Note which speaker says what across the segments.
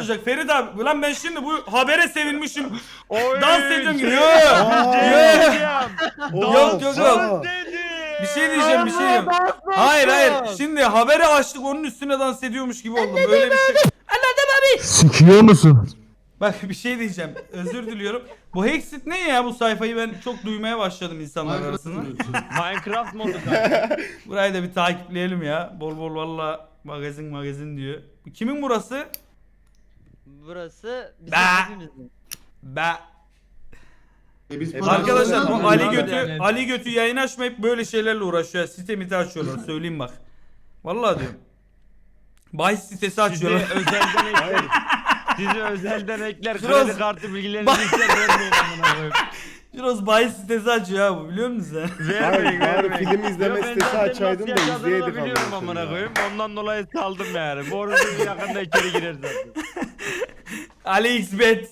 Speaker 1: olacak Ferit abi. Ulan ben şimdi bu habere sevinmişim.
Speaker 2: Oy,
Speaker 1: Dans ediyorum gibi. Yok. Yok, yok, yok. Bir şey diyeceğim, bir şey diyeceğim. Hayır hayır. Şimdi haberi açtık, onun üstüne dans ediyormuş gibi oldum. Böyle bir şey. Anladım abi.
Speaker 3: Sikiyor musun?
Speaker 1: Bak bir şey diyeceğim. Özür diliyorum. Bu Hexit ne ya, bu sayfayı ben çok duymaya başladım insanlar arasında.
Speaker 2: Minecraft modu kanka.
Speaker 1: Burayı da bir takipleyelim ya. Bol bol valla magazin diyor. Kimin burası?
Speaker 4: Burası bizim
Speaker 1: Be.
Speaker 4: hepimizin.
Speaker 1: Be.
Speaker 5: Biz
Speaker 1: Arkadaşlar
Speaker 5: para
Speaker 1: o
Speaker 5: kazanıyoruz.
Speaker 1: Ali Götü
Speaker 2: yani.
Speaker 1: Ali Götü yayın açmayıp böyle şeylerle uğraşıyor. Site açıyorlar, söyleyeyim bak. Vallahi diyorum. Bahis sitesi
Speaker 2: Sizi
Speaker 1: açıyorlar.
Speaker 2: özelden ekler. Sizi özelden ekler.
Speaker 1: Şurası-
Speaker 2: Kredi kartı bilgilerinizi ister vermeyin amına koyayım.
Speaker 1: Şurası bahis sitesi açıyor ha bu, biliyor musun sen?
Speaker 2: Vermeyin
Speaker 6: Bari
Speaker 2: vermeyin.
Speaker 6: film izleme
Speaker 2: Yo, ben
Speaker 6: sitesi
Speaker 2: zaten
Speaker 6: açaydın da
Speaker 2: nasıl yaşadığını
Speaker 6: izleyeydik
Speaker 2: biliyorum
Speaker 6: amına
Speaker 2: amına
Speaker 6: koyayım
Speaker 2: koyayım. Ondan dolayı saldım yani. Bu arada yakında içeri girer zaten.
Speaker 1: Ali Xbet.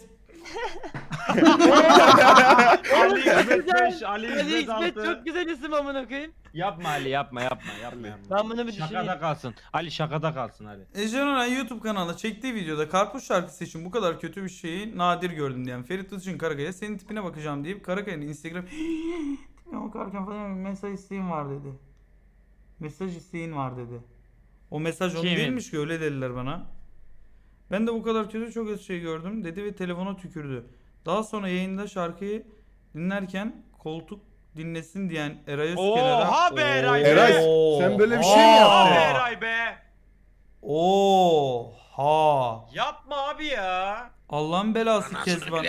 Speaker 2: Ali İsmet 5, Ali
Speaker 4: Ali
Speaker 2: İsmet
Speaker 4: İsmet
Speaker 2: 6.
Speaker 4: çok güzel isim amına koyayım.
Speaker 2: Yapma Ali yapma.
Speaker 4: Ben bunu bir
Speaker 2: Şakada
Speaker 4: düşüneyim.
Speaker 2: kalsın. Ali şakada kalsın Ali.
Speaker 1: Ece Nuray YouTube kanalına çektiği videoda karpuz şarkısı için bu kadar kötü bir şeyi nadir gördüm diyen Ferit Ilçin Karakaya senin tipine bakacağım deyip Karakaya'nın Instagram tipine bakarken falan mesaj isteğin var dedi. Mesaj isteğin var dedi. O mesaj onun
Speaker 2: Kimin?
Speaker 1: değilmiş ki, öyle dediler bana. Ben de bu kadar kötü çok az şey gördüm dedi ve telefona tükürdü. Daha sonra yayında şarkıyı dinlerken koltuk dinlesin diyen Eray Özkenar'a...
Speaker 2: Oha be Eray be.
Speaker 6: Eray, sen böyle bir şey mi
Speaker 2: Oha be
Speaker 6: yaptın?
Speaker 2: Eray be.
Speaker 1: Oha.
Speaker 2: Yapma abi ya.
Speaker 1: Allah'ın belası Kezban.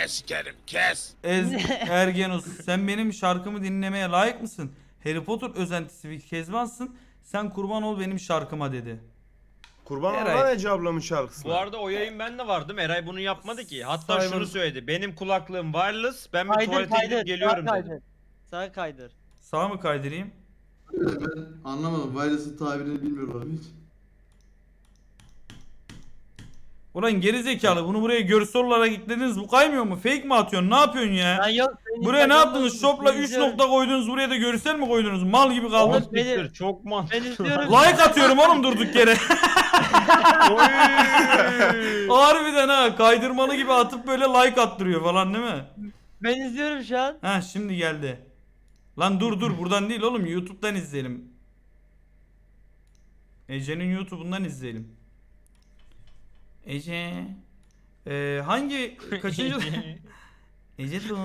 Speaker 1: Ergenus, sen benim şarkımı dinlemeye layık mısın? Harry Potter özentisi bir Kezbansın. Sen kurban ol benim şarkıma dedi.
Speaker 6: Kurban
Speaker 1: Eray.
Speaker 6: olan Ece ablamın şarkısına.
Speaker 2: Bu arada o yayın ben de vardım. Eray bunu yapmadı ki. Hatta
Speaker 1: Cyber-
Speaker 2: şunu söyledi. Benim kulaklığım wireless. Ben bir
Speaker 4: Kaydır
Speaker 2: tuvalete
Speaker 4: kaydır.
Speaker 2: gidip geliyorum
Speaker 4: Sağa
Speaker 2: dedi.
Speaker 4: kaydır. Sağa kaydır.
Speaker 1: Sağ mı kaydırayım?
Speaker 5: Ben anlamadım. Virus'ın tabirini bilmiyorum abi hiç.
Speaker 1: Ulan geri zekalı, bunu buraya görsel olarak eklediniz, bu kaymıyor mu? Fake mi atıyorsun? Ne yapıyorsun ya?
Speaker 4: Ben yok. senin
Speaker 1: Buraya ne
Speaker 4: Instagram'da
Speaker 1: yaptınız? Shop'la 3
Speaker 4: izliyorum.
Speaker 1: nokta koydunuz, buraya da görsel mi koydunuz? Mal gibi kaldım.
Speaker 4: Oğlum, beni-
Speaker 2: Siktir, çok
Speaker 4: Ben
Speaker 2: mantıklı.
Speaker 4: izliyorum.
Speaker 1: Like atıyorum oğlum durduk yere.
Speaker 2: Oy.
Speaker 1: Harbiden ha, kaydırmalı gibi atıp böyle like attırıyor falan değil mi?
Speaker 4: Ben izliyorum şu an.
Speaker 1: Ha şimdi geldi. Lan dur buradan değil oğlum, YouTube'dan izleyelim. Ece'nin YouTube'undan izleyelim. Ece. Hangi kaçıncı? Ece dur.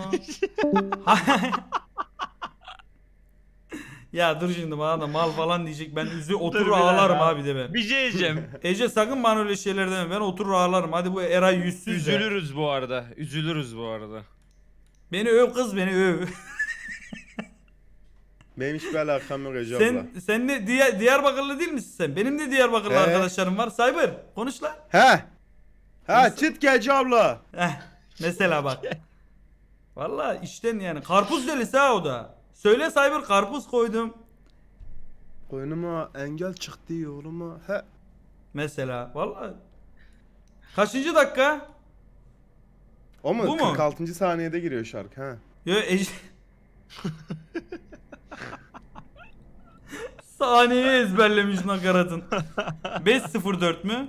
Speaker 1: Ya dur şimdi bana da mal falan diyecek, ben oturur
Speaker 2: bir
Speaker 1: ağlarım
Speaker 2: dakika.
Speaker 1: abi de ben.
Speaker 2: Bir şey diyeceğim.
Speaker 1: Ece sakın bana öyle şeyler deme, ben oturur ağlarım. Hadi bu Eray yüzsüz de.
Speaker 2: Üzülürüz bu arada. Üzülürüz bu arada.
Speaker 1: Beni öv kız, beni öv.
Speaker 6: Benim hiçbir alakam yok Ece abla.
Speaker 1: Sen ne Diyarbakırlı değil misin sen? Benim de Diyarbakırlı
Speaker 6: He.
Speaker 1: arkadaşlarım var. Cyber konuş lan.
Speaker 6: He. Ha çıt ki Ece abla.
Speaker 1: Mesela bak. Valla işten yani. Karpuz delisi ha o da. Söyle Cyber, karpuz koydum.
Speaker 6: Koynuma engel çıktı yoluma. He.
Speaker 1: Mesela. Valla. Kaçıncı dakika?
Speaker 6: O mu?
Speaker 1: Bu mu?
Speaker 6: 46. saniyede giriyor şarkı ha.
Speaker 1: Yo Ece. Saniyeyi ezberlemiş nakaratın. 5.04 mü?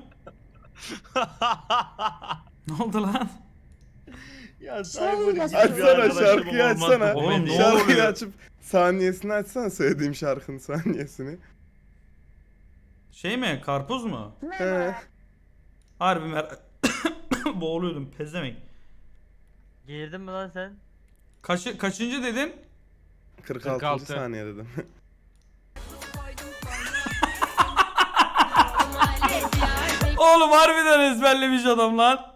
Speaker 1: Ne oldu lan?
Speaker 2: Ya
Speaker 6: Açsana şarkıyı açsana.
Speaker 1: Oğlum, ne
Speaker 6: Şarkıyı
Speaker 1: oluyor?
Speaker 6: açıp saniyesini açsana, söylediğim şarkının saniyesini.
Speaker 1: Şey mi? Karpuz mu?
Speaker 6: He.
Speaker 1: Harbi boğuluyordum pezemek.
Speaker 4: Girdin mi lan sen?
Speaker 1: Kaçıncı dedin?
Speaker 6: 46.
Speaker 2: 46.
Speaker 6: saniye dedim.
Speaker 1: Oğlum harbiden ezberlemiş adam lan.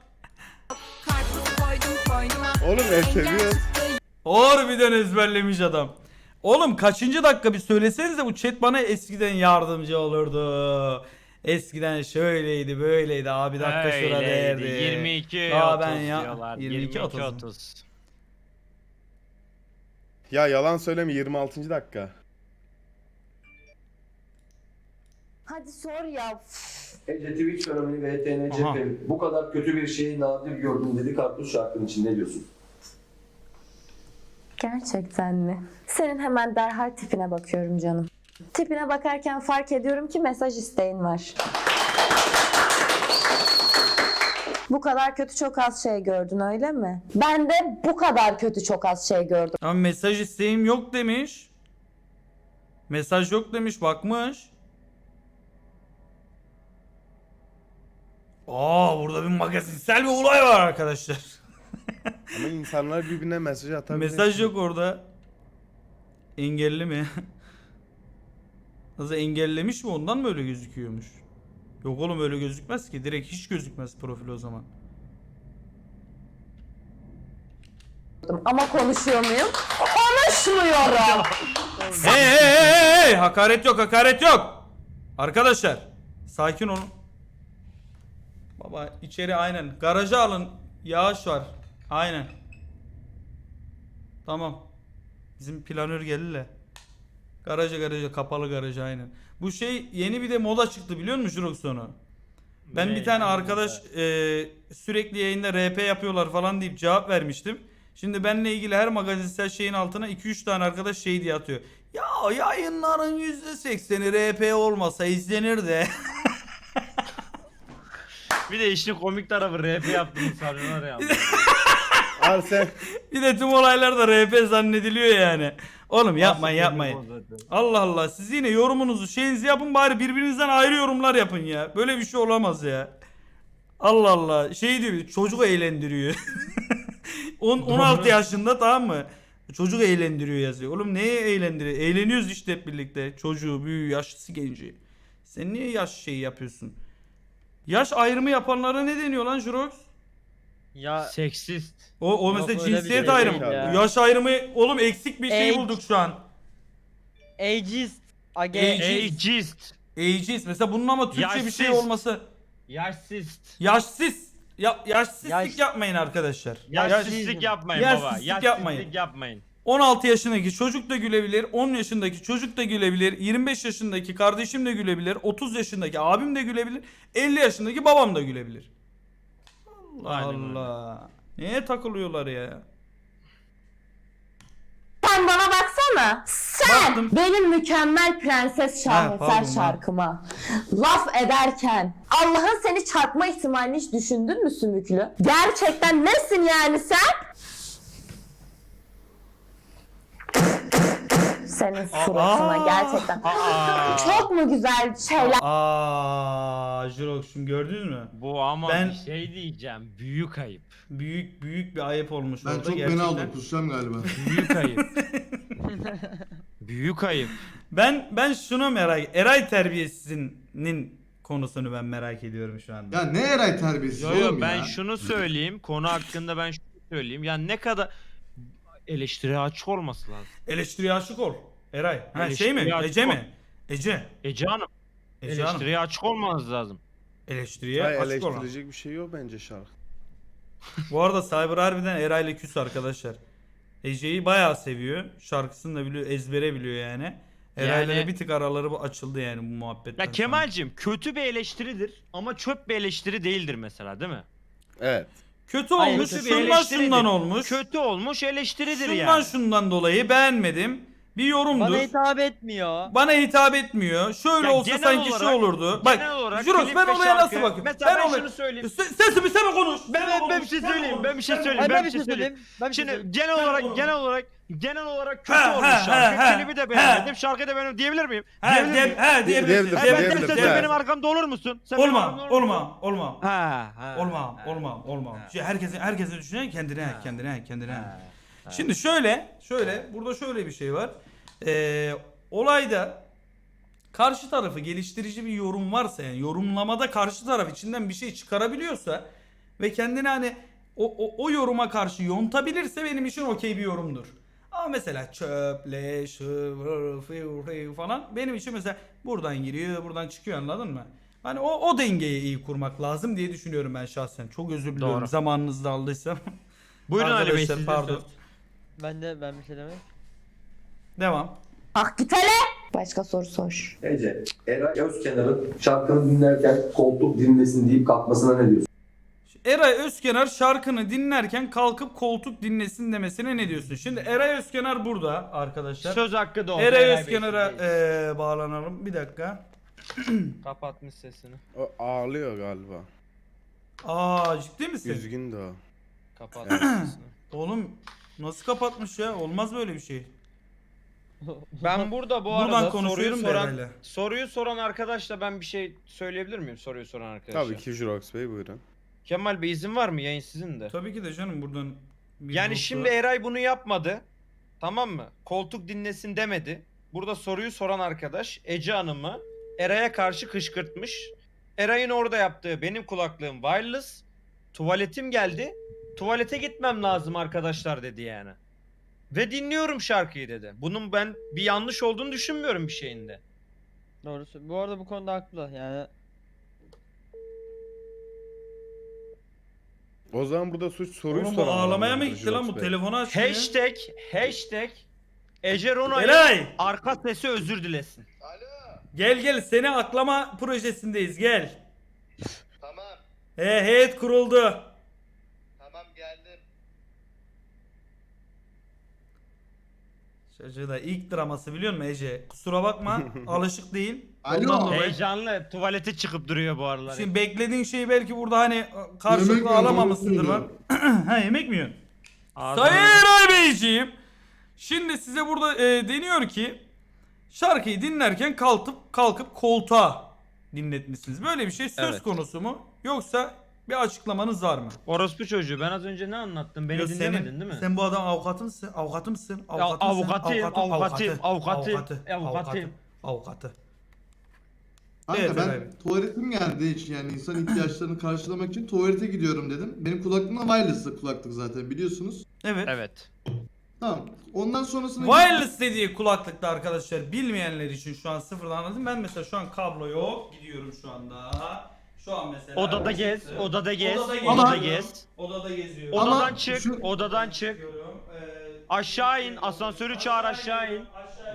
Speaker 6: Oğlum seviyoruz.
Speaker 1: Harbiden ezberlemiş adam. Oğlum kaçıncı dakika bir söylesenize, bu chat bana eskiden yardımcı olurdu. Eskiden şöyleydi böyleydi abi, dakika şurada derdi.
Speaker 2: 22
Speaker 1: Aa,
Speaker 2: 30
Speaker 1: ben ya-
Speaker 2: diyorlar.
Speaker 1: 22
Speaker 2: 22
Speaker 1: 30.
Speaker 2: 30.
Speaker 6: Ya yalan söyleme, 26. dakika.
Speaker 7: Hadi sor ya.
Speaker 8: Ece Twitch fenomeni ve ETN
Speaker 1: Aha.
Speaker 8: cephe bu kadar kötü bir şeyi nadir gördüm dedi Karpuz şarkının için, ne diyorsun?
Speaker 7: Gerçekten mi? Senin hemen derhal tipine bakıyorum canım. Tipine bakarken fark ediyorum ki mesaj isteğin var. Bu kadar kötü çok az şey gördün öyle mi? Ben de bu kadar kötü çok az şey gördüm.
Speaker 1: Ama mesaj isteğim yok demiş. Mesaj yok demiş, bakmış. Burada bir magazinsel bir olay var arkadaşlar.
Speaker 6: Ama insanlar birbirine mesaj atabilir.
Speaker 1: Mesaj yok orada. Engelli mi? Nasıl engellemiş mi, ondan mı öyle gözüküyormuş? Yok oğlum, öyle gözükmez ki. Direkt hiç gözükmez profil o zaman.
Speaker 7: Ama konuşuyor muyum? Konuşmuyorum.
Speaker 1: Hey! Hakaret yok, hakaret yok. Arkadaşlar sakin olun. Baba içeri aynen. Garaja alın. Yağış var. Aynen. Tamam. Bizim planör geldi de. Garaja kapalı garaja aynen. Bu şey yeni bir de moda çıktı biliyor musun Jurox onu? Ben
Speaker 2: Ne?
Speaker 1: bir tane arkadaş sürekli yayında RP yapıyorlar falan deyip cevap vermiştim. Şimdi benimle ilgili her magazinsel şeyin altına 2-3 tane arkadaş şey diye atıyor. Ya yayınların %80'i RP olmasa izlenir de.
Speaker 2: Bir de işin komik tarafı RP yaptığını sanıyorlar ya.
Speaker 6: Al sen.
Speaker 1: Bir de tüm olaylar da RP zannediliyor yani. Oğlum yapmayın
Speaker 2: Nasıl
Speaker 1: yapmayın.
Speaker 2: komik o zaten.
Speaker 1: Allah Allah, siz yine yorumunuzu şeyinizi yapın bari, birbirinizden ayrı yorumlar yapın ya. Böyle bir şey olamaz ya. Allah Allah, şey diyor, çocuk eğlendiriyor. 16 yaşında, tamam mı? Çocuk eğlendiriyor yazıyor. Oğlum neye eğlendiriyor? Eğleniyoruz işte hep birlikte. Çocuğu, büyüğü, yaşlısı, genci. Sen niye yaş şeyi yapıyorsun? Yaş ayrımı yapanlara ne deniyor lan Jurox?
Speaker 4: Ya
Speaker 2: Seksist.
Speaker 1: O
Speaker 4: Yok,
Speaker 1: mesela
Speaker 4: öyle bir
Speaker 1: cinsiyet
Speaker 4: şey
Speaker 1: ayrımı.
Speaker 4: değil ya.
Speaker 1: Yaş ayrımı oğlum, eksik bir şey
Speaker 4: Age.
Speaker 1: bulduk şu an.
Speaker 4: ageist. Age.
Speaker 2: Ageist.
Speaker 1: Ageist. Mesela bunun ama Türkçe bir şey
Speaker 2: Yaşsız.
Speaker 1: olması.
Speaker 2: Yaşsist.
Speaker 1: Yaşsız. Yaşsızlık
Speaker 4: Yaş-
Speaker 1: yapmayın arkadaşlar.
Speaker 2: Yaşsızlık yapmayın baba.
Speaker 1: Yaşsızlık
Speaker 2: Yaşsızlık
Speaker 1: yapmayın.
Speaker 2: yapmayın.
Speaker 1: 16 yaşındaki çocuk da gülebilir, 10 yaşındaki çocuk da gülebilir, 25 yaşındaki kardeşim de gülebilir, 30 yaşındaki abim de gülebilir, 50 yaşındaki babam da gülebilir. Allah
Speaker 2: Aynen öyle.
Speaker 1: Allah. Neye takılıyorlar ya?
Speaker 7: Sen bana baksana. Sen
Speaker 1: Baktım.
Speaker 7: benim mükemmel prenses
Speaker 1: pardon
Speaker 7: şaheser
Speaker 1: lan.
Speaker 7: şarkıma laf ederken Allah'ın seni çarpma ihtimalini hiç düşündün mü Sümüklü? Gerçekten nesin yani sen? Senin suratına gerçekten. Çok mu güzel şeyler
Speaker 1: Jirox'um gördünüz mü?
Speaker 2: Bu ama
Speaker 1: Ben-
Speaker 2: bir şey diyeceğim. Büyük ayıp.
Speaker 1: Büyük bir ayıp olmuş
Speaker 5: Ben
Speaker 1: orada
Speaker 5: çok
Speaker 1: gerçekten.
Speaker 5: beni aldım, kusacağım galiba.
Speaker 2: Büyük ayıp. Büyük ayıp.
Speaker 1: Ben şunu Eray terbiyesizinin konusunu ben merak ediyorum şu anda.
Speaker 5: Ya ne Eray terbiyesiz
Speaker 2: Yo
Speaker 5: oğlum
Speaker 2: yo
Speaker 5: ya.
Speaker 2: ben şunu söyleyeyim. Konu hakkında ben şunu söyleyeyim. Yani ne kadar eleştiriye açık olması lazım.
Speaker 1: Eleştiriye aşık ol. Eray. Ha, şey
Speaker 2: Eleştiriye
Speaker 1: mi?
Speaker 2: açık
Speaker 1: Ece
Speaker 2: ol.
Speaker 1: mi? Ece.
Speaker 2: Ece Hanım.
Speaker 1: Ece Hanım.
Speaker 2: Eleştiriye açık olmanız lazım.
Speaker 1: Eleştiriye
Speaker 6: Hayır,
Speaker 1: açık olan.
Speaker 6: eleştirecek bir şey yok bence şarkı.
Speaker 1: Bu arada Cyber harbiden Eray'la küs arkadaşlar. Ece'yi bayağı seviyor. Şarkısını da biliyor, ezbere biliyor yani. Eray'la
Speaker 2: Yani-
Speaker 1: da bir tık araları açıldı yani bu muhabbetten
Speaker 2: Ya
Speaker 1: sonra.
Speaker 2: Kemal'cim kötü bir eleştiridir ama çöp bir eleştiri değildir mesela değil mi?
Speaker 6: Evet.
Speaker 1: Kötü
Speaker 4: Hayır,
Speaker 1: olmuş,
Speaker 2: kötü bir
Speaker 1: şundan
Speaker 2: eleştiridir.
Speaker 1: şundan olmuş.
Speaker 2: Kötü olmuş eleştiridir
Speaker 1: Şundan
Speaker 2: yani.
Speaker 1: şundan dolayı beğenmedim. Bir yorumdur.
Speaker 4: Bana hitap etmiyor.
Speaker 1: Bana hitap etmiyor. Şöyle
Speaker 2: Ya
Speaker 1: olsa
Speaker 2: genel
Speaker 1: sanki
Speaker 2: olarak-
Speaker 1: şey olurdu. Bak,
Speaker 2: genel olarak
Speaker 1: Jurox
Speaker 2: klip
Speaker 1: ben
Speaker 2: ve
Speaker 1: olaya nasıl
Speaker 2: şarkı-
Speaker 1: bakıyorum?
Speaker 2: Mesela ben
Speaker 1: olaya-
Speaker 2: şunu söyleyeyim.
Speaker 1: Sesimi bir konuş.
Speaker 2: Ben bir şey söyleyeyim. Ben bir şey söyleyeyim.
Speaker 4: Ay,
Speaker 2: Ben
Speaker 4: ben
Speaker 2: bir şey söyleyeyim.
Speaker 4: Ben bir şey
Speaker 2: Şimdi
Speaker 4: söyleyeyim.
Speaker 2: genel olarak kötü
Speaker 1: Ha,
Speaker 2: olmuş
Speaker 1: ha,
Speaker 2: şarkı.
Speaker 1: ha,
Speaker 2: Klibi de
Speaker 1: ha.
Speaker 2: beğenmedim. Şarkıyı da beğendim diyebilir miyim?
Speaker 1: Diyebilirsin.
Speaker 6: Diyebilirsin.
Speaker 2: Ben
Speaker 6: Diyebilirsin.
Speaker 2: derse sen benim arkamda olur musun? Sen benim arkamda olur musun?
Speaker 1: Olmam.
Speaker 2: Ha.
Speaker 1: Olmam. Şey, herkesin düşünen kendine. Şimdi şöyle burada şöyle bir şey var. Olayda karşı tarafı geliştirici bir yorum varsa, yani yorumlamada karşı taraf içinden bir şey çıkarabiliyorsa ve kendini hani o yoruma karşı yontabilirse benim için okey bir yorumdur. Ama mesela çöp, leş, falan benim için mesela buradan giriyor, buradan çıkıyor, anladın mı? Hani o dengeyi iyi kurmak lazım diye düşünüyorum ben şahsen. Çok özür diliyorum
Speaker 2: Doğru.
Speaker 1: zamanınızı aldıysam.
Speaker 2: Buyurun Ali Bey
Speaker 1: Arkadaşlar,
Speaker 2: siz de
Speaker 1: pardon.
Speaker 2: söz.
Speaker 4: Ben bir şey demem.
Speaker 1: Devam.
Speaker 7: Ah git hele. Başka soru sor.
Speaker 8: Ece, Eray Özkenar'ın şarkını dinlerken koltuk dinlesin deyip kalkmasına ne diyorsun?
Speaker 1: Eray Özkenar şarkını dinlerken kalkıp koltuk dinlesin demesine ne diyorsun? Şimdi Eray Özkenar burada arkadaşlar.
Speaker 2: Söz hakkı doğdu.
Speaker 1: Eray
Speaker 2: Bey,
Speaker 1: Özkenar'a
Speaker 2: sizdeyiz.
Speaker 1: bağlanalım. Bir dakika.
Speaker 2: Kapatmış sesini.
Speaker 6: O ağlıyor galiba.
Speaker 1: Aa ciddi misin?
Speaker 6: Üzgün de o.
Speaker 2: Kapat.
Speaker 1: Oğlum nasıl kapatmış ya? Olmaz böyle bir şey.
Speaker 2: Ben burada bu
Speaker 1: Buradan
Speaker 2: arada
Speaker 1: konuşuyorum da herhalde.
Speaker 2: soruyu soran arkadaşla ben bir şey söyleyebilir miyim soruyu soran arkadaşa?
Speaker 6: Tabii ki Jurox Bey buyurun.
Speaker 2: Kemal Bey izin var mı? Yayın sizin de.
Speaker 1: Tabii ki de canım buradan. bir
Speaker 2: Yani
Speaker 1: nokta-
Speaker 2: şimdi Eray bunu yapmadı. Tamam mı? Koltuk dinlesin demedi. Burada soruyu soran arkadaş Ece Hanım'ı Eray'a karşı kışkırtmış. Eray'ın orada yaptığı benim kulaklığım wireless. Tuvaletim geldi. Tuvalete gitmem lazım arkadaşlar dedi yani. Ve dinliyorum şarkıyı dedi. Bunun ben bir yanlış olduğunu düşünmüyorum bir şeyinde.
Speaker 4: Doğrusu. Bu arada bu konuda haklı yani.
Speaker 6: O zaman burada suç soruyu
Speaker 1: Oğlum bu
Speaker 6: soran
Speaker 1: ağlamaya mı
Speaker 6: adamdır
Speaker 1: gitti lan
Speaker 6: Jurox
Speaker 1: bu
Speaker 6: Bey.
Speaker 1: telefonu açmıyor.
Speaker 2: Hashtag Ece Rona'yı
Speaker 1: Eray!
Speaker 2: arka sesi özür dilesin.
Speaker 1: Gel seni aklama projesindeyiz gel.
Speaker 3: Tamam,
Speaker 1: Heyet kuruldu.
Speaker 3: tamam geldim.
Speaker 1: Çocuğu da ilk draması biliyor musun Ece? Kusura bakma alışık değil.
Speaker 5: Alo.
Speaker 1: Ondan dolayı-
Speaker 2: Heyecanlı tuvalete çıkıp duruyor bu aralar.
Speaker 1: Şimdi beklediğin şeyi belki burada hani
Speaker 5: Yemek
Speaker 1: karşılıklı
Speaker 5: yiyorum,
Speaker 1: alamamışsındır var.
Speaker 5: yiyorum.
Speaker 1: Ha yemek mi yiyorsun?
Speaker 2: Ağzına-
Speaker 1: Sayın Eray Beyciğim. Şimdi size burada deniyor ki şarkıyı dinlerken kalkıp koltuğa dinletmişsiniz. Böyle bir şey söz
Speaker 2: Evet.
Speaker 1: konusu mu? Yoksa bir açıklamanız var mı?
Speaker 2: Orospu çocuğu ben az önce ne anlattım? Beni
Speaker 1: Yok,
Speaker 2: dinlemedin değil mi?
Speaker 1: Sen bu adam avukatı mısın? Avukatı mısın?
Speaker 2: Ya, avukatıyım, avukatım.
Speaker 1: Avukatı.
Speaker 5: Kanka
Speaker 1: Evet,
Speaker 5: ben
Speaker 1: evet.
Speaker 5: tuvaletim geldi hiç yani insan ihtiyaçlarını karşılamak için tuvalete gidiyorum dedim. Benim kulaklığım wireless'lı kulaklık zaten biliyorsunuz.
Speaker 1: Evet.
Speaker 2: Evet.
Speaker 5: Tamam. Ondan sonrasında
Speaker 1: Wireless dediği kulaklıkta arkadaşlar bilmeyenler için şu an sıfırdan anladım. Ben mesela şu an kablo yok. Gidiyorum şu anda. Şu an mesela.
Speaker 2: Odada gez, odada gez,
Speaker 1: Odada
Speaker 2: odada
Speaker 1: geziyorum.
Speaker 2: gez.
Speaker 1: Odada geziyorum.
Speaker 5: Ama
Speaker 2: Odadan çık,
Speaker 5: şu-
Speaker 2: odadan çık.
Speaker 1: Çıkıyorum.
Speaker 2: Aşağı in, asansörü çağır aşağı in.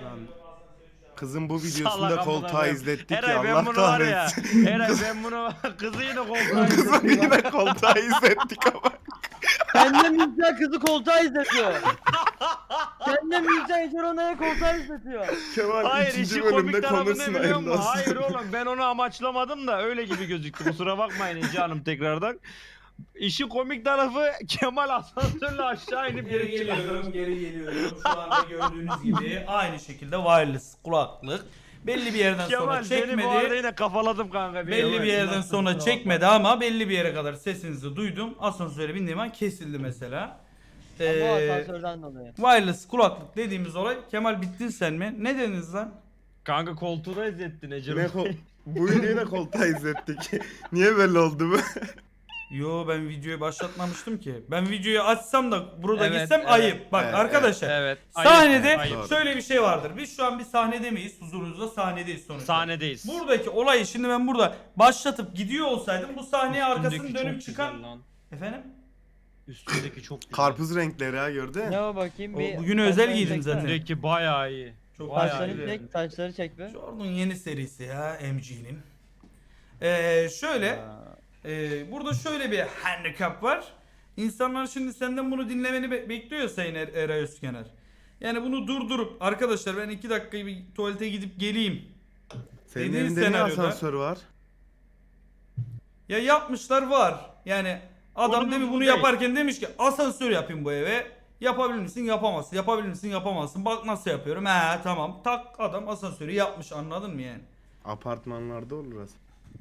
Speaker 6: Kızın bu videosunda
Speaker 2: Salak amına
Speaker 6: koltuğa
Speaker 2: koyayım.
Speaker 6: izlettik ya
Speaker 2: Eray ben
Speaker 6: Allah
Speaker 2: bunu var ya.
Speaker 6: kahretsin.
Speaker 2: Eray ben bunu kızı yine koltuğa
Speaker 6: Kızın
Speaker 2: izledim.
Speaker 6: yine koltuğa izlettik ama.
Speaker 4: Kendine müzisyen kızı koltuğa izletiyor. Kendine müzisyen Ece Rona'ya koltuğa izletiyor.
Speaker 6: Kemal
Speaker 2: Hayır
Speaker 6: ikinci
Speaker 2: işin komik
Speaker 6: bölümde
Speaker 2: tarafı ne
Speaker 6: konuşsun
Speaker 2: biliyor
Speaker 6: hayırlı
Speaker 2: musun?
Speaker 6: olsun.
Speaker 2: Hayır oğlum ben onu amaçlamadım da öyle gibi gözüktü. Kusura bakmayın Ece Hanım tekrardan. İşin komik tarafı Kemal asansörle aşağı inip
Speaker 1: Geri geliyorum, geri geliyorum. Şu anda gördüğünüz gibi aynı şekilde wireless kulaklık. Belli bir yerden sonra
Speaker 2: Kemal seni bu arada
Speaker 1: çekmedi.
Speaker 2: yine kafaladım kanka.
Speaker 1: Belli bir yerden sonra çekmedi ama belli bir yere kadar sesinizi duydum. Asansöre bindiğim an kesildi mesela.
Speaker 4: Ama
Speaker 1: Ee,
Speaker 4: asansörden dolayı.
Speaker 1: wireless kulaklık dediğimiz olay. Kemal bittin sen mi? Ne dediniz lan?
Speaker 2: Kanka koltuğu da izlettin Ece.
Speaker 6: Yine bu videoyu da koltuğa izlettik. Niye böyle oldu bu?
Speaker 1: Yo ben videoyu başlatmamıştım ki. Ben videoyu açsam da burada
Speaker 2: Evet,
Speaker 1: gitsem
Speaker 2: evet,
Speaker 1: ayıp. Bak
Speaker 6: evet,
Speaker 1: arkadaşlar.
Speaker 2: Evet.
Speaker 1: Sahnede
Speaker 2: ayıp.
Speaker 1: şöyle bir şey vardır. Biz şu an bir sahnede miyiz? Huzurunuzda sahnedeyiz sonuçta.
Speaker 2: Sahnedeyiz.
Speaker 1: Buradaki olayı şimdi ben burada başlatıp gidiyor olsaydım bu sahneye arkasını
Speaker 2: Üstündeki
Speaker 1: dönüp
Speaker 2: çok
Speaker 1: çıkan...
Speaker 2: güzel lan.
Speaker 1: Efendim?
Speaker 2: Üstündeki çok güzel.
Speaker 6: Karpuz renkleri ha gördün?
Speaker 4: Ne o bakayım bir.
Speaker 1: bugün özel
Speaker 4: saçlarını
Speaker 1: giydim
Speaker 4: çeksene.
Speaker 1: zaten.
Speaker 2: Üstündeki bayağı iyi.
Speaker 1: Çok
Speaker 2: Bayağı
Speaker 4: Saçlarını
Speaker 2: iyi.
Speaker 4: çek, saçları çek be.
Speaker 1: Jordan yeni serisi ya MG'nin. Şöyle burada şöyle bir handicap var. İnsanlar şimdi senden bunu dinlemeni bekliyor Sayın Eray Özkener. Yani bunu durdurup arkadaşlar ben 2 dakika bir tuvalete gidip geleyim.
Speaker 6: Senin
Speaker 1: Dediğin
Speaker 6: evinde ne
Speaker 1: senaryoda-
Speaker 6: asansör var?
Speaker 1: Ya yapmışlar var. Yani adam
Speaker 2: Konumuz
Speaker 1: demin
Speaker 2: bu
Speaker 1: bunu
Speaker 2: değil.
Speaker 1: yaparken demiş ki asansör yapayım bu eve. Yapabilir misin? Yapamazsın. Yapabilir misin? Yapamazsın. Bak nasıl yapıyorum. He tamam. Tak adam asansörü yapmış anladın mı yani?
Speaker 6: Apartmanlarda olur aslında.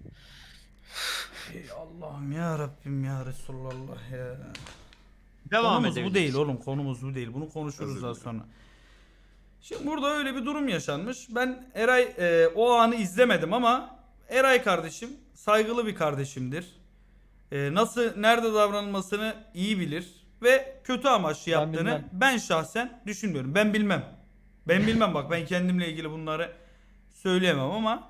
Speaker 1: Ey Allah'ım ya Rabbim ya Resulallah ya.
Speaker 2: Devam
Speaker 1: Konumuz
Speaker 2: edelim.
Speaker 1: bu değil oğlum. Konumuz bu değil. Bunu konuşuruz
Speaker 6: Özür
Speaker 1: daha
Speaker 6: dilerim.
Speaker 1: sonra. Şimdi burada öyle bir durum yaşanmış. Ben Eray o anı izlemedim ama Eray kardeşim saygılı bir kardeşimdir. Nasıl nerede davranılmasını iyi bilir ve kötü amaçlı
Speaker 4: Ben
Speaker 1: yaptığını
Speaker 4: bilmem.
Speaker 1: ben şahsen düşünmüyorum. Ben bilmem. Ben bilmem bak ben kendimle ilgili bunları söyleyemem ama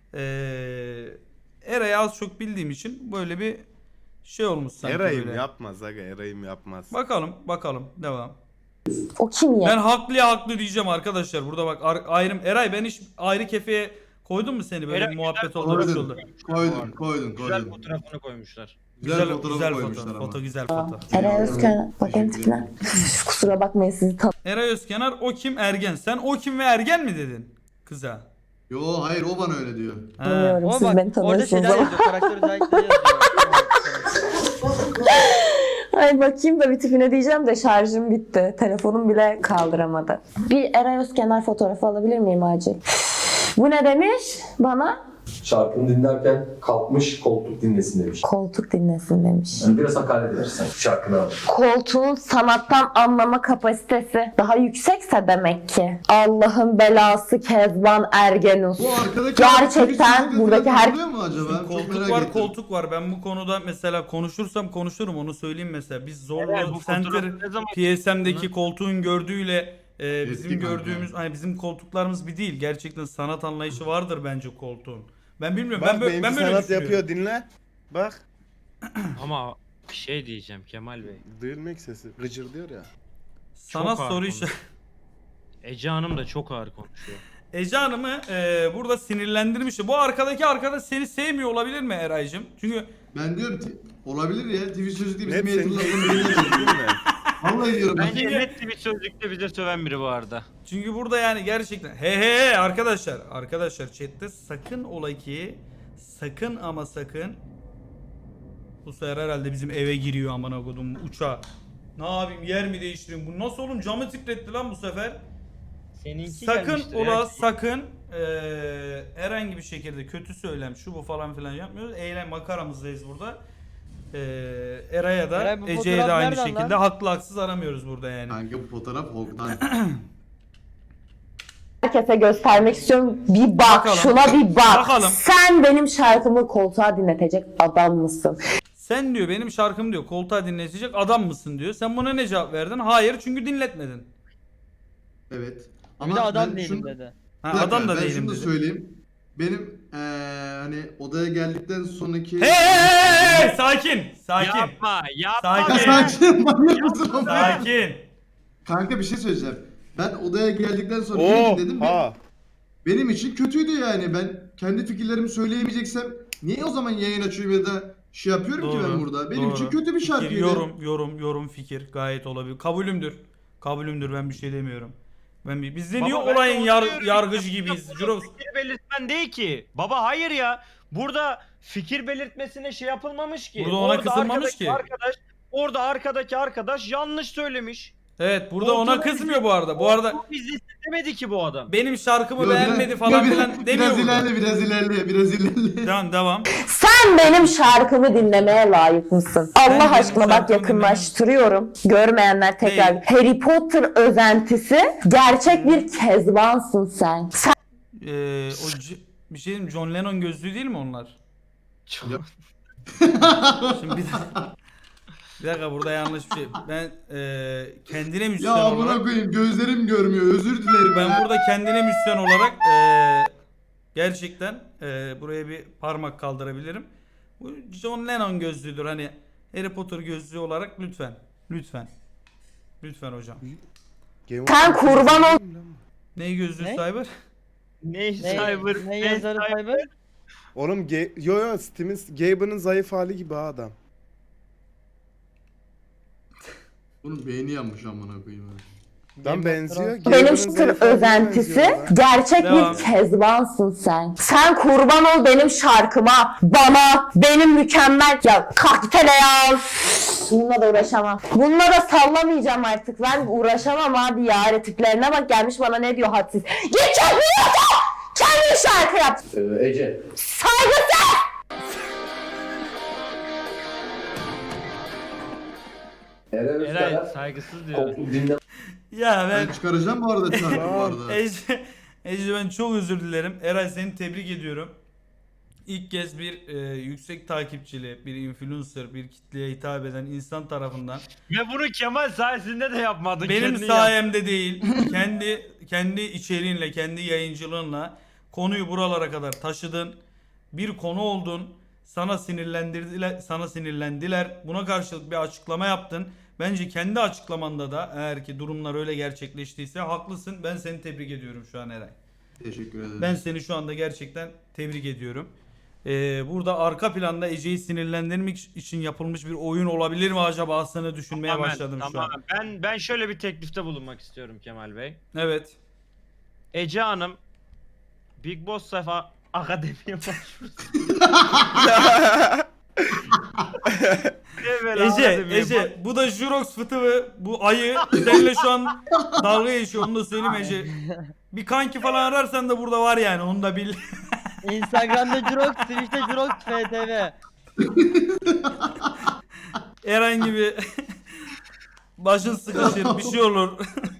Speaker 1: Eray'ı az çok bildiğim için böyle bir şey olmuş sanki
Speaker 6: Eray'ım
Speaker 1: böyle.
Speaker 6: yapmaz aga, Eray'ım yapmaz.
Speaker 1: Bakalım devam.
Speaker 7: O kim ya?
Speaker 1: Ben haklı diyeceğim arkadaşlar. Burada bak ayrım. Eray ben hiç ayrı kefeye koydum mu seni böyle
Speaker 2: Eray,
Speaker 1: bir muhabbet
Speaker 2: güzel
Speaker 1: oldu bir şey
Speaker 5: koydun.
Speaker 1: oldu.
Speaker 5: Koydum.
Speaker 2: Güzel fotoğrafını koymuşlar.
Speaker 5: Güzel fotoğraf koymuşlar
Speaker 1: foto.
Speaker 5: ama.
Speaker 1: Foto güzel foto.
Speaker 7: Eray Özkener. Bakayım tipine. Kusura bakmayın sizi
Speaker 1: Eray Özkenar o kim Ergen. Sen o kim ve Ergen mi dedin kıza?
Speaker 5: Yo hayır o bana öyle diyor.
Speaker 1: Ha.
Speaker 7: tanımıyorum.
Speaker 4: O
Speaker 7: Siz
Speaker 4: bak
Speaker 7: beni
Speaker 4: orada
Speaker 7: tanıyorsunuz
Speaker 4: şeyler
Speaker 7: ama.
Speaker 4: yazıyor. Karakter özellikleri yazıyor.
Speaker 7: Ay bakayım da bir tipine diyeceğim de şarjım bitti. Telefonum bile kaldıramadı. Bir Eray Özkenar fotoğrafı alabilir miyim acil? Bu ne demiş bana?
Speaker 8: Şarkını dinlerken kalkmış koltuk dinlesin demiş.
Speaker 7: Koltuk dinlesin demiş.
Speaker 8: Yani biraz hakaret edersen şarkını al.
Speaker 7: Koltuğun sanattan anlama kapasitesi daha yüksekse demek ki. Allah'ın belası Kezban Ergenus.
Speaker 5: Bu arkadaki
Speaker 7: Gerçekten
Speaker 5: abi,
Speaker 7: buradaki
Speaker 5: falan
Speaker 7: her-
Speaker 5: oluyor mu acaba? Çok
Speaker 1: Koltuk
Speaker 5: merak
Speaker 1: var,
Speaker 5: ettim.
Speaker 1: koltuk var. Ben bu konuda mesela konuşursam konuşurum, onu söyleyeyim mesela. Biz Zorlu
Speaker 2: Evet, bu
Speaker 1: Center
Speaker 2: fotoğraf ne zaman-
Speaker 1: PSM'deki koltuğun gördüğüyle bizim
Speaker 5: Eski kanka.
Speaker 1: gördüğümüz, hani bizim koltuklarımız bir değil. Gerçekten sanat anlayışı vardır bence koltuğun. Ben bilmiyorum.
Speaker 6: Bak
Speaker 1: ben böyle,
Speaker 6: benimki
Speaker 1: ben böyle
Speaker 6: sanat
Speaker 1: düşünüyorum.
Speaker 6: yapıyor dinle. Bak.
Speaker 2: Ama bir şey diyeceğim Kemal Bey.
Speaker 6: Duyulmak sesi. Gıcır diyor ya.
Speaker 1: Sanat
Speaker 2: Çok
Speaker 1: soru
Speaker 2: ağır
Speaker 1: işareti.
Speaker 2: Ece Hanım da çok ağır konuşuyor.
Speaker 1: Ece Hanım'ı burada sinirlendirmiş. Bu arkadaş seni sevmiyor olabilir mi Eray'cığım? Çünkü
Speaker 5: Ben diyorum ki olabilir ya. TV sözlükte bizim
Speaker 6: Net senin
Speaker 5: eğitimlerden
Speaker 6: dediğin
Speaker 5: birine
Speaker 6: değil mi?
Speaker 5: Vallahi diyorum. ben.
Speaker 2: Bence net bir sözlükte bize söven biri bu arada.
Speaker 1: Çünkü burada yani gerçekten he arkadaşlar chatte sakın ola ki sakın ama sakın bu sefer herhalde bizim eve giriyor amına kodum uçağa. Ne yapayım, yer mi değiştireyim? Bu nasıl oğlum, camı titretti lan bu sefer.
Speaker 2: Seninki
Speaker 1: Sakın
Speaker 2: gelmiştir
Speaker 1: ola
Speaker 2: ya.
Speaker 1: sakın herhangi bir şekilde kötü söylem şu bu falan filan yapmıyoruz. Eğlen makaramızdayız burada. Eray'a da
Speaker 4: Eray, bu
Speaker 1: Ece'ye de
Speaker 4: fotoğraf
Speaker 1: aynı
Speaker 4: nereden
Speaker 1: şekilde
Speaker 4: lan?
Speaker 1: haklı haksız aramıyoruz burada yani.
Speaker 5: Kanka bu fotoğraf Hog'dan.
Speaker 7: Herkese göstermek istiyorum. Bir bak,
Speaker 1: Bakalım.
Speaker 7: şuna bir bak.
Speaker 1: Bakalım.
Speaker 7: Sen benim şarkımı koltuğa dinletecek adam mısın?
Speaker 1: Sen diyor benim şarkım diyor koltuğa dinletecek adam mısın diyor. Sen buna ne cevap verdin? Hayır, çünkü dinletmedin.
Speaker 5: Evet.
Speaker 4: Bir de adam
Speaker 5: ben
Speaker 4: değilim
Speaker 5: şunu-
Speaker 4: dedi.
Speaker 1: Ha,
Speaker 5: Bir dakika,
Speaker 1: adam da
Speaker 5: ben
Speaker 1: değilim
Speaker 5: şunu da
Speaker 1: dedi.
Speaker 5: söyleyeyim. Benim hani odaya geldikten sonraki...
Speaker 1: Hey, sakin. Sakin.
Speaker 2: Yapma, yapma.
Speaker 1: Sakin.
Speaker 5: Ya sakin manyak mısın oğlum?
Speaker 1: Sakin.
Speaker 5: Kanka bir şey söyleyeceğim. Ben odaya geldikten sonra ne dedim?
Speaker 6: Oha.
Speaker 5: Benim için kötüydü yani. Ben kendi fikirlerimi söyleyemeyeceksem niye o zaman yayın açıyorum ya da şey yapıyorum ki ben burada? Benim için kötü bir
Speaker 1: Fikir,
Speaker 5: şarkıydı.
Speaker 1: yorum fikir gayet olabilir. Kabulümdür, ben bir şey demiyorum. Biz de
Speaker 2: Baba,
Speaker 1: niye
Speaker 2: ben de
Speaker 1: olayın
Speaker 2: onu diyorum.
Speaker 1: yargıcı gibiyiz
Speaker 2: Burada
Speaker 1: Jurox?
Speaker 2: Fikir belirtmen değil ki. Baba hayır ya. Burada fikir belirtmesine şey yapılmamış ki.
Speaker 1: Burada ona kızılmamış
Speaker 2: arkadaki
Speaker 1: ki.
Speaker 2: Orada arkadaki arkadaş yanlış söylemiş.
Speaker 1: Evet, burada ona
Speaker 2: Koltuğuna
Speaker 1: kızmıyor bu arada. Bu arada
Speaker 2: Bu bizi demedi ki bu adam.
Speaker 1: benim şarkımı
Speaker 5: Yo,
Speaker 1: beğenmedi falan filan demiyor burada.
Speaker 5: Biraz ilerle.
Speaker 1: Devam.
Speaker 7: Sen benim şarkımı dinlemeye layık mısın? Allah
Speaker 1: benim
Speaker 7: aşkına bak,
Speaker 1: şarkımı
Speaker 7: yakınlaştırıyorum. Görmeyenler tekrar.
Speaker 1: Değil.
Speaker 7: Harry Potter özentisi, gerçek bir Kezbansın sen. Sen
Speaker 1: Bir şey diyeyim, John Lennon gözlüğü değil mi onlar?
Speaker 2: Çok-
Speaker 1: Şimdi bir dakika, burada yanlış bir şey. Ben kendine
Speaker 5: Ya
Speaker 1: müzisyen olarak
Speaker 5: amına koyayım gözlerim görmüyor. Özür dilerim
Speaker 1: ben
Speaker 5: ya.
Speaker 1: burada kendine müzisyen olarak gerçekten buraya bir parmak kaldırabilirim. Bu John Lennon gözlüğüdür, hani Harry Potter gözlüğü olarak lütfen hocam.
Speaker 6: Game of
Speaker 7: Sen
Speaker 6: Thrones
Speaker 7: kurban ol-
Speaker 6: izledin mi lan?
Speaker 1: Ne gözlüğü
Speaker 4: Ne?
Speaker 1: Cyber?
Speaker 2: Ne
Speaker 4: Ne,
Speaker 2: cyber?
Speaker 4: ne yazarı Cyber?
Speaker 6: Oğlum yo Steam'in Gaben'ın zayıf hali gibi ha adam.
Speaker 5: Bunun beyni yanmış amına koyayım.
Speaker 6: Lan benziyor.
Speaker 7: benim
Speaker 6: Gaben'ın
Speaker 7: Potter
Speaker 6: zayıf haline
Speaker 7: özentisi,
Speaker 6: benziyor lan.
Speaker 7: gerçek
Speaker 1: Devam.
Speaker 7: bir Kezbansın sen. Sen kurban ol benim şarkıma, bana, benim mükemmel... Ya kalk git hele ya. Bununla da uğraşamam. Bununla da sallamayacağım artık. Ben uğraşamam abi ya. Tiplerine bak, gelmiş bana ne diyor hadsiz. Git kendin yap! Kendin şarkı yap!
Speaker 8: Ece.
Speaker 7: Saygısız!
Speaker 8: Eray
Speaker 2: Eray
Speaker 8: Özkenar
Speaker 2: saygısız diyor.
Speaker 8: koltuk dinle
Speaker 1: Ya
Speaker 5: Ben çıkaracağım bu arada şarkı bu arada.
Speaker 1: Ece, ben çok özür dilerim. Eray, seni tebrik ediyorum. İlk kez bir yüksek takipçili, bir influencer, bir kitleye hitap eden insan tarafından
Speaker 2: Ve bunu Kemal sayesinde de yapmadın.
Speaker 1: benim
Speaker 2: kendin
Speaker 1: sayemde değil, kendi içeriğinle, kendi yayıncılığınla konuyu buralara kadar taşıdın. Bir konu oldun. Sana sinirlendiler. Buna karşılık bir açıklama yaptın. Bence kendi açıklamanda da, eğer ki durumlar öyle gerçekleştiyse, haklısın. Ben seni tebrik ediyorum şu an Eray.
Speaker 5: Teşekkür ederim.
Speaker 1: Ben seni şu anda gerçekten tebrik ediyorum. Burada arka planda Ece'yi sinirlendirmek için yapılmış bir oyun olabilir mi acaba, aslında düşünmeye başladım şu an.
Speaker 2: Ben şöyle bir teklifte bulunmak istiyorum Kemal Bey.
Speaker 1: Evet.
Speaker 2: Ece Hanım Big Boss Sefa Akademi'ye başvursun.
Speaker 1: Ece bu da Jurox fıtığı, bu ayı seninle şu an dalga geçiyor, onu da söyleyeyim Ece. Bir kanki falan ararsan da burada var yani, onu da bil.
Speaker 4: Instagram'da Jurox, Twitch'te Jurox FTV.
Speaker 1: Herhangi bir başın sıkışır, bir şey olur.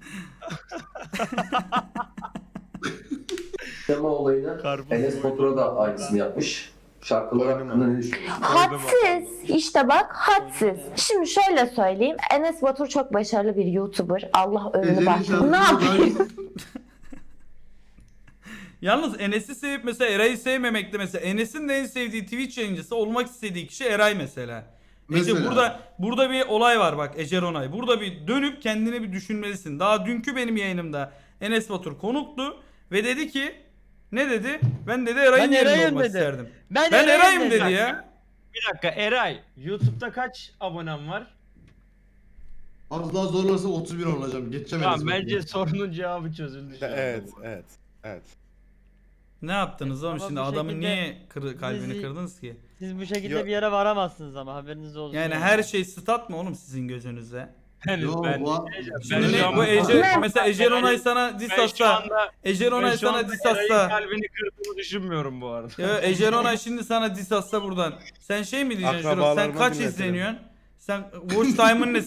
Speaker 8: Tema olayını Enes Batur'a da aynısını yapmış. Şarkılar hakkında ne düşünüyorsun?
Speaker 7: Hadsiz. İşte bak hadsiz. Şimdi şöyle söyleyeyim. Enes Batur çok başarılı bir YouTuber. Allah ömrünü
Speaker 5: Ece'nin
Speaker 7: bak.
Speaker 5: şarkısı
Speaker 7: Ne yapayım?
Speaker 5: da-
Speaker 1: Yalnız Enes'i sevip mesela Eray'ı sevmemekte, mesela Enes'in de en sevdiği Twitch yayıncısı olmak istediği kişi Eray mesela. Ece
Speaker 5: Mesela.
Speaker 1: burada bir olay var bak Ece Ronay. Burada bir dönüp kendini bir düşünmelisin. Daha dünkü benim yayınımda Enes Batur konuktu ve dedi ki, ne dedi? Ben dedi Eray'ın
Speaker 4: Ben
Speaker 1: yerinde
Speaker 4: Eray'ım
Speaker 1: olmak
Speaker 4: dedi.
Speaker 1: isterdim.
Speaker 4: Ben
Speaker 1: Ben Eray'ım
Speaker 4: dedi.
Speaker 1: dedi ya.
Speaker 2: Bir dakika Eray, YouTube'da kaç abonem var?
Speaker 5: Az daha zorlarsa 31 olacağım. Geçeceğim
Speaker 2: Tamam
Speaker 5: Enes
Speaker 2: bence
Speaker 5: Batur'u.
Speaker 2: sorunun cevabı çözüldü şu anda.
Speaker 6: Evet.
Speaker 1: Ne yaptınız oğlum
Speaker 4: Ama
Speaker 1: şimdi,
Speaker 4: bu
Speaker 1: adamın
Speaker 4: şekilde
Speaker 1: niye kalbini
Speaker 4: bizi-
Speaker 1: kırdınız ki?
Speaker 4: Siz bu şekilde
Speaker 6: Yo-
Speaker 4: bir yere varamazsınız ama haberiniz olsun.
Speaker 1: Yani her şey stat mı oğlum sizin gözünüzde?
Speaker 5: Yo,
Speaker 2: Ben
Speaker 5: bu-
Speaker 1: Şimdi
Speaker 2: şu
Speaker 1: ne,
Speaker 2: an-
Speaker 1: bu Ece,
Speaker 7: Ne?
Speaker 1: mesela Ece Ronay sana diss
Speaker 2: Ben şu
Speaker 1: atsa,
Speaker 2: anda
Speaker 1: Ece Ronay sana diss
Speaker 2: Eray'ın
Speaker 1: atsa,
Speaker 2: kalbini kırdığını düşünmüyorum bu arada.
Speaker 1: ya Ece Ronay şimdi sana diss atsa buradan, sen şey mi diyeceksin Jurox, sen
Speaker 6: Akrabalarıma
Speaker 1: kaç
Speaker 6: dinletirim.
Speaker 1: izleniyorsun? Sen watch time'ın ne